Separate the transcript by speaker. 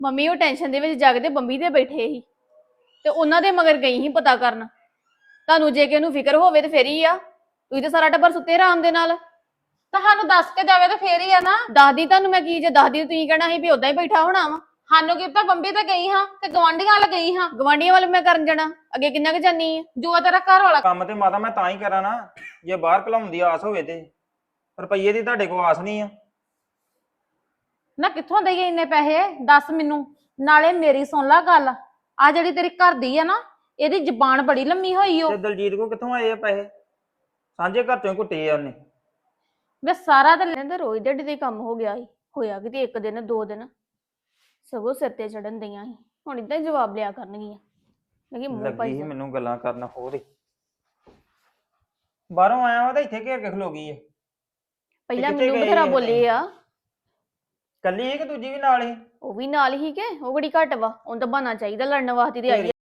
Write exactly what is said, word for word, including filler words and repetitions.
Speaker 1: Mummy ਉਹ tension ਦੇ ਵਿੱਚ ਜਾਗਦੇ ਬੰਬੀ ਤੇ ਬੈਠੇ ਸੀ ਤੇ ਉਹਨਾਂ ਦੇ ਮਗਰ ਗਈ ਸੀ ਪਤਾ ਕਰਨ। ਤੁਹਾਨੂੰ ਜੇ ਕਿ ਉਹਨੂੰ ਫਿਕਰ ਹੋਵੇ ਤੇ ਫੇਰ ਹੀ ਆ। ਤੁਸੀਂ ਤੇ ਸਾਰਾ ਟੱਬਰ ਸੁੱਤੇ ਆਰਾਮ ਦੇ ਨਾਲ।
Speaker 2: ਤੁਹਾਨੂੰ ਦੱਸ ਕੇ ਜਾਵੇ ਤਾਂ ਫੇਰ ਹੀ ਆ ਨਾ।
Speaker 1: ਦੱਸਦੀ ਤੁਹਾਨੂੰ ਮੈਂ ਕੀ, ਜੇ ਦੱਸਦੀ ਤੁਸੀਂ ਕਹਿਣਾ ਸੀ ਵੀ ਉਦਾਂ ਹੀ ਬੈਠਾ ਹੋਣਾ ਵਾ।
Speaker 2: ਸਾਨੂੰ ਕੀ ਪਤਾ ਬੰਬੀ ਤੇ ਗਈ ਹਾਂ ਤੇ ਗਵਾਂਢੀਆਂ ਵੱਲ ਗਈ ਹਾਂ।
Speaker 1: ਗਵਾਂਢੀਆਂ ਵੱਲ ਮੈਂ ਕਰਨ ਜਾਣਾ, ਅੱਗੇ ਕਿੰਨਾ ਕੁ ਜਾਨੀ ਆ।
Speaker 2: ਜੋ ਤੇਰਾ ਘਰ ਵਾਲਾ
Speaker 3: ਕੰਮ ਤੇ ਮਾਤਾ ਮੈਂ ਤਾਂ ਹੀ ਕਰਾਂ ਨਾ ਜੇ ਬਾਹਰ ਘਲਾਉਣ ਦੀ ਆਸ ਹੋਵੇ ਤੇ। ਰੁਪਈਏ ਦੀ ਤੁਹਾਡੇ ਕੋਲ ਆਸ ਨਹੀਂ ਆ।
Speaker 2: ਨਾ ਕਿੱਥੋਂ ਦੇਈਏ ਇੰਨੇ ਪੈਸੇ ਦੱਸ ਮੈਨੂੰ। ਨਾਲੇ ਮੇਰੀ ਸੁਣ ਲੈ ਗੱਲ, ਆ ਜਿਹੜੀ ਤੇਰੀ ਘਰ ਦੀ ਆ ਨਾ, ਇਹਦੀ ਜ਼ਬਾਨ ਬੜੀ ਲੰਮੀ ਹੋਈ ਓ।
Speaker 3: ਤੇ ਦਲਜੀਤ ਕੋ ਕਿੱਥੋਂ ਆਏ ਆ ਪੈਸੇ? ਸਾਂਝੇ ਘਰ ਚੋਂ ਘੁੱਟੇ ਆ ਉਹਨੇ।
Speaker 2: ਵੇ ਸਾਰਾ ਤੇ
Speaker 1: ਕਹਿੰਦਾ ਰੋਜ਼ ਦਿਹਾੜੀ ਦੇ ਕੰਮ ਹੋ ਗਿਆ ਸੀ, ਹੋਇਆ ਕਿਤੇ ਇੱਕ ਦਿਨ ਦੋ ਦਿਨ ਸਗੋਂ ਸਿਰ ਤੇ ਚੜਨ ਦਈਆਂ ਸੀ। ਹੁਣ ਇਦਾਂ ਹੀ ਜਵਾਬ ਲਿਆ ਕਰਨਗੀਆਂ। ਮੈਂ ਕਿ ਮੂੰਹ
Speaker 3: ਲੱਗੀ
Speaker 1: ਪਾਈ
Speaker 3: ਸੀ
Speaker 1: ਜਾ।
Speaker 3: ਮੈਨੂੰ ਗੱਲਾਂ ਕਰਨ ਹੋਰ ਹੀ। ਬਾਹਰੋਂ ਆਇਆ ਵਾ ਤਾਂ ਇੱਥੇ ਘੇਰ ਕੇ ਖਲੋ ਗਈ ਆ।
Speaker 1: ਪਹਿਲਾਂ
Speaker 3: ਕਿੱਥੇ
Speaker 1: ਮੈਨੂੰ
Speaker 3: ਗਏ
Speaker 1: ਬਥੇਰਾ
Speaker 3: ਇਹ
Speaker 1: ਬੋਲੇ ਆ।
Speaker 3: ਕੱਲੀ ਸੀ ਕਿ ਦੂਜੀ ਵੀ ਨਾਲ ਹੀ?
Speaker 1: ਉਹ ਵੀ ਨਾਲ ਹੀ ਕਿ ਉਹ ਬੜੀ ਘੱਟ ਵਾ, ਉਹਨੂੰ ਤਾਂ ਬਹਾਨਾ ਚਾਹੀਦਾ ਲੜਨ ਵਾਸਤੇ ਤੇ ਆਈ ਆ।